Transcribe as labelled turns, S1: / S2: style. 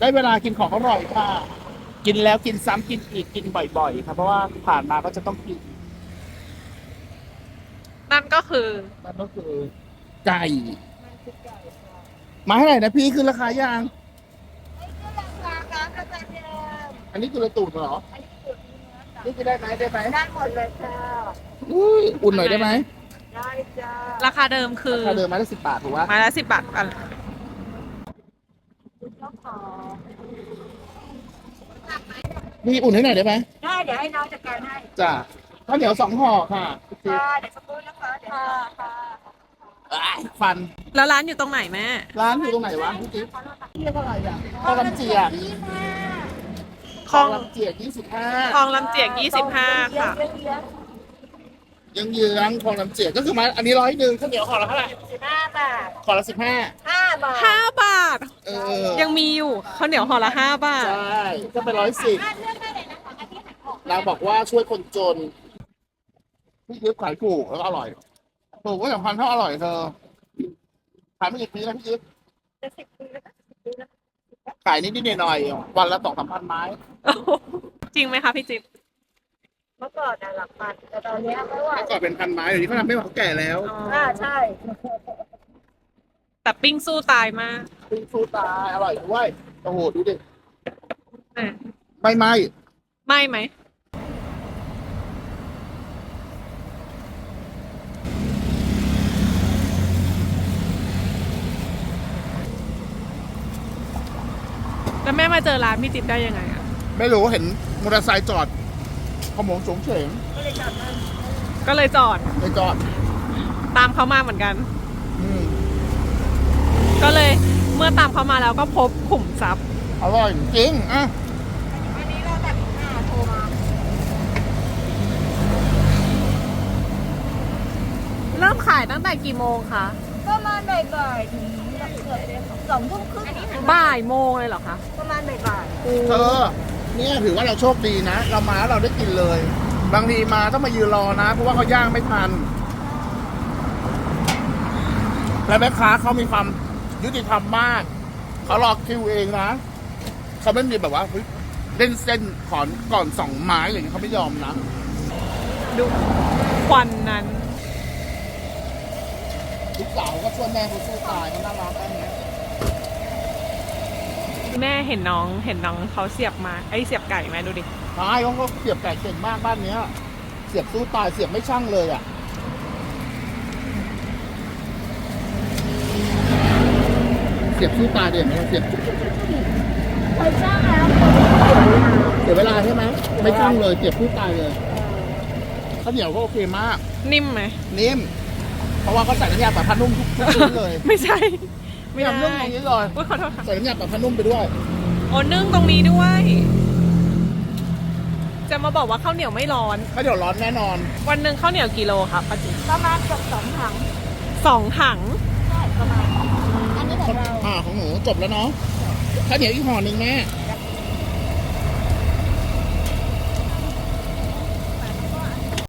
S1: ได้เวลากินของอร่อยค่ะกินแล้วกินซ้ำกินอีกกินบ่อยๆครับเพราะว่าผ่านมาก็จะต้องกิน
S2: นั่นก็คือ
S1: นั่นก็คือไก่มาเท่าไหร่นะพี่คือราคายางอันนี้คือระตูดเหรอนี่คือได้ไหมได้ไหม
S3: ได้หมดเลยค่ะ
S1: อุ้ยอุ่นหน่อยได้ไหม
S3: ได้จ้า
S2: ราคาเดิมคือ
S1: ราคาเดิมมาได้10 บาทถูกปะ
S2: ไม้ละ10 บาทอัน
S3: คุณเจ้าของ
S1: พี่อุ่นให้หน่อยได้ไหม
S3: ได้เดี๋ยวให้น้องจัดการให้
S1: จ้าข้าวเหนียว2 ห่อค่ะ
S3: ค่ะเดี๋ยวสักครู่นะคะเดี๋ยวค่ะ
S1: อ้ายฟัน
S2: แล้วร้านอยู่ตรงไหนแม่
S1: ร้านอยู่ตรงไหนวะพี่จิ๊บเรียกว่าอะไรอ่ะคลองลำเจียก
S2: คลอง
S1: ลำเจียก
S2: คลองลำเจียก25ค่ะ
S1: 25เยื้องๆคลองลำเจียกก็คือมาอันนี้100ข้าวเหนียวห่อละเท่าไหร่
S3: 15 บาท
S1: ห่อละ15
S3: 5 บาท
S2: 5 บาท
S1: เออ
S2: ยังมีอยู่ข้าวเหนียวห่อละ5 บาท
S1: ใช่ก็เป็น110
S3: เลือกได้เลยนะคะอันนี้หันออก
S1: นางบอกว่าช่วยคนจนพี่จิ๊บขายถูกแล้วก็อร่อยถูกก็สำคัญเท่าอร่อยเธอขายไม่กี่ปีแล้วพี่จิ๊บ
S3: จะ10 ปีแล้วก็10 ปีแล้ว
S1: ขายนิดๆหน่อยๆวันละ2-3 พันไม้
S2: จริงไหมคะพี่จิ๊บ
S3: เมื่อก่อนน่ะหลักพันแต่ตอนเนี้ยไม่ไหว
S1: เมื่อก่อนเป็นพันไม้เดี๋ยวนี้เขาทำไม่ไหวเขาแก่แล้ว
S3: ใช่
S2: แต่ปิ้งสู้ตายมาก
S1: ปิ้งฟูตายอร่อยด้วยโอ้โหดูดิ
S2: อ่ะ
S1: ไม่ไหม
S2: ไม่ไหม แล้วแม่มาเจอร้านพี่จิ๊บได้ยังไงอ่ะ
S1: ไม่รู้เห็นมอเตอร์ไซค์จอดขโมงโฉงเฉง
S3: ก็เลยจัดให้
S2: ก็เลยจอด
S1: ไปจอด
S2: ตามเขามาเหมือนกัน
S1: อืม
S2: ก็เลยเมื่อตามเขามาแล้วก็พบขุมทรัพย์
S1: อร่อยจริงอ่ะ
S3: อันนี้เราแบบโทรมา
S2: เริ่มขายตั้งแต่กี่โมงคะ
S3: ประมาณบ่ายๆถึงเกือบ2 ทุ่มครึ่ง
S2: บ่ายโมงเลยเหรอคะ
S3: ประมาณบ่าย
S1: เธอเนี่ยถือว่าเราโชคดีนะ เรามาแล้วเราได้กินเลย บางทีมาต้องมายืนรอนะ เพราะว่าเขาย่างไม่ทัน และแม่ค้าเขามีความยุติธรรมมาก เขารอคิวเองนะ เขาไม่มีแบบว่าเฮ้ยเล่นเส้นขอนก่อน2 ไม้อะไรอย่างเงี้ยเขาไม่ยอมนะ
S2: ดูควันนั้น
S1: ลูกสาวก็ช่วยแม่เขาสู้ตายเขาน่ารักอันเนี้ย
S2: แม่เห็นน้องเขาเสียบมาเสียบไก่ไหมดูดิ
S1: ใช่เขาก็เสียบไก่เก่งมากบ้านเนี้ย เสียบสู้ตายเสียบไม่ช่างเลยอ่ะ เสียบสู้ตายเดี๋ยวเราเสียบ
S3: ๆเคยจ้างแล้ว
S1: เสียเวลาใช่ไหมไม่ช่างเลยเสียบสู้ตายเลยข้าวเหนียวก็โอเคมาก
S2: นิ่มไหม
S1: นิ่มเพราะว่าเขาใส่น้ำยาปรับผ้านุ่มทุกชิ้นเลย
S2: ไม่ใช่ ไม่
S1: ทำนุ่ม
S2: ได้
S1: ตรงนี้เลย
S2: อุ๊ยขอโทษค่ะ
S1: ใส่น้ำยาปรับผ้านุ่มไปด้วย
S2: โอ้นึ่งตรงนี้ด้วย จะมาบอกว่าข้าวเหนียวไม่ร้อน
S1: ข้าวเหนียวร้อนแน่นอน
S2: วันหนึ่งข้าวเหนียวกี่โลคะป้าจิ๊บ
S3: ประมาณเกือบ2 ถัง
S2: 2 ถัง
S3: ใช่ประมาณอันนี้ของเรา
S1: ของหนูจบแล้วเนาะข้าวเหนียวอีกห่อหนึ่งแม่